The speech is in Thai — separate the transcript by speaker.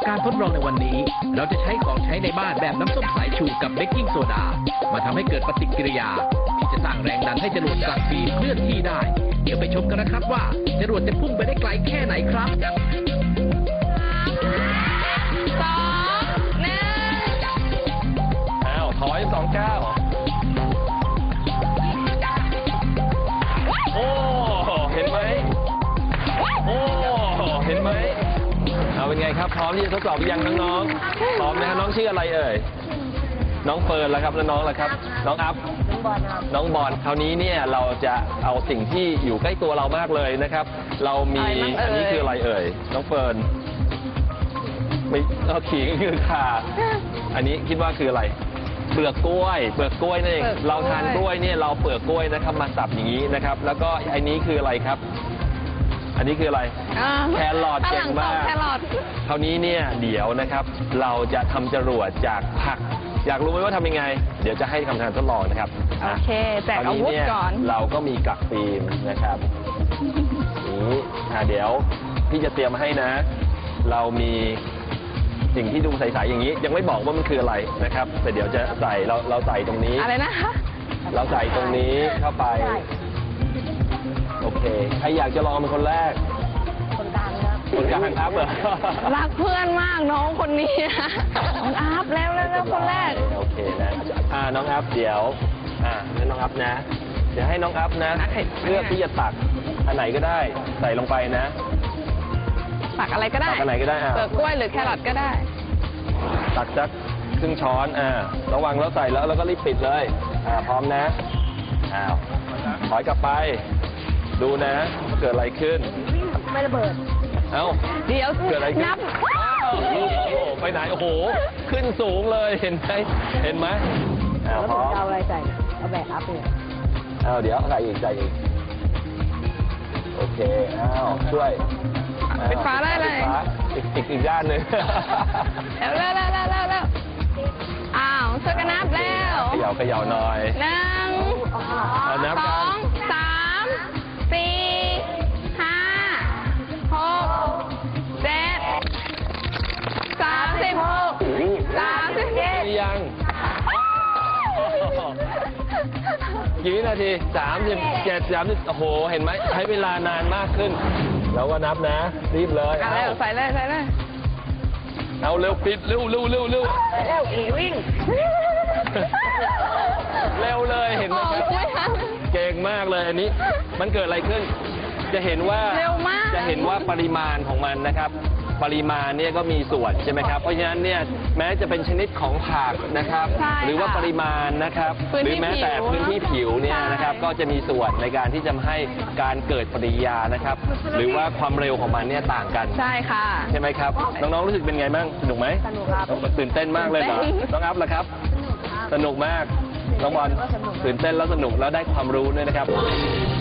Speaker 1: การทดลองในวันนี้เราจะใช้ของใช้ในบ้านแบบน้ำส้มสายชูกับเบกกิ้งโซดามาทำให้เกิดปฏิกิริยาที่จะสร้างแรงดันให้จรวดกลับฟิล์มเคลื่อนที่ได้เดี๋ยวไปชมกันนะครับว่าจรวดจะพุ่งไปได้ไกลแค่ไหนครับ
Speaker 2: อ้าวถอย2 ก้าวโอ้เห็นไหมโอ้เห็นไหมเอาเป็นไงครับพร้อมที่จะทดสอบหรือยังน้องๆพร้อมนะครับน้องชื่ออะไรเอ่ยน้องเฟิร์นแล้วครับแล้วน้องล่ะครับน้องอัพน้องบอลคราวนี้เนี่ยเราจะเอาสิ่งที่อยู่ใกล้ตัวเรามากเลยนะครับเรามีอันนี้คืออะไรเอ่ยน้องเฟิร์นไม่เอาขิงคือข่าอันนี้คิดว่าคืออะไรเปลือกกล้วยนั่นเองเราทานกล้วยเนี่ยเราเปลือกกล้วยนะครับมาสับอย่างนี้นะครับแล้วก็อันนี้คืออะไรครับอันนี้คืออะไรแครอทเก่งมากคราวนี้เนี่ยเดี๋ยวนะครับเราจะทำจรวดจากผักอยากรู้ไหมว่าทำยังไงเดี๋ยวจะให้ทำการทดลองนะครับ
Speaker 3: โอเคแจกอาวุธก่อน
Speaker 2: เราก็มีกักฟิล์มนะครับนี้เดี๋ยวพี่จะเตรียมให้นะ เรามีสิ่งที่ดูใสๆอย่างนี้ยังไม่บอกว่ามันคืออะไรนะครับแต่เดี๋ยวจะใส่เราใส่ตรงนี้
Speaker 3: อะไรนะคะ
Speaker 2: เราใส่ตรงนี้เข้าไปโอเคใครอยากจะลองเป็นคนแรกคนกลางอัพเหรอ
Speaker 3: รักเพื่อนมากน้องคนนี้น้องอัพแล้วคนแรก
Speaker 2: โอเคนะน้องอัพเดี๋ยวงั้นน้องอัพนะเดี๋ยวให้น้องอัพนะเลือกที่จะตักอันไหนก็ได้ใส่ลงไปนะ
Speaker 3: ตักอะไรก็ได้
Speaker 2: ตักอันไหนก็ได้
Speaker 3: เปลือกกล้วยหรือแครอทก็ได้
Speaker 2: ตักสักครึ่งช้อนระวังแล้วใส่แล้วก็รีบปิดเลยพร้อมนะถอยกลับไปดูนะเกิดอะไรขึ้น
Speaker 3: ไม่ระเบิด
Speaker 2: เอ้า
Speaker 3: เดี๋ยว
Speaker 2: เกิดอะไรขึ้นไปไหนโอ้โหขึ้นสูงเลยเห็นไหม
Speaker 4: แล้วผมจะเอาอะไรใส่เอาแบกอัพเลย
Speaker 2: เดี๋ยวใส่อีกโอเคช่วย
Speaker 3: ปิดฝาได้เลย
Speaker 2: อีกด้านหนึ่ง
Speaker 3: แล้วช่วยกันนับแล้ว
Speaker 2: เขย่าหน่อย
Speaker 3: 1 2 3 4 5 6 7 36 37
Speaker 2: ยังกี่วินาที37 30โอ้โหเห็นไหมใช้เวลานานมากขึ้นแล้วก็นับนะรีบเลย
Speaker 3: ใส่เลย
Speaker 2: เอาเร็วปิดเร็ว
Speaker 3: วิ่ง
Speaker 2: เร็วเลยเห็นไหมครับเก่งมากเลยอันนี้มันเกิดอะไรขึ้นจะเห็นว่าปริมาณของมันนะครับปริมาณเนี่ยก็มีส่วนใช่ไหมครับเพราะฉะนั้นเนี่ยแม้จะเป็นชนิดของผักนะครับหรือว่าปริมาณนะครับหรือแม้แต่พื้นที่ผิวเนี่ยนะครับก็จะมีส่วนในการที่จะให้การเกิดปฏิกิริยานะครับหรือว่าความเร็วของมันเนี่ยต่างกัน
Speaker 3: ใช่ค่ะ
Speaker 2: ใช่ไหมครับน้องๆรู้สึกเป็นไงบ้างสนุกไหม
Speaker 4: สนุกครับ
Speaker 2: ตื่นเต้นมากเลยเหรอน้องอัพล่ะครับสนุกมากน้องบอลตื่นเต้นแล้วสนุกแล้วได้ความรู้ด้วยนะครับ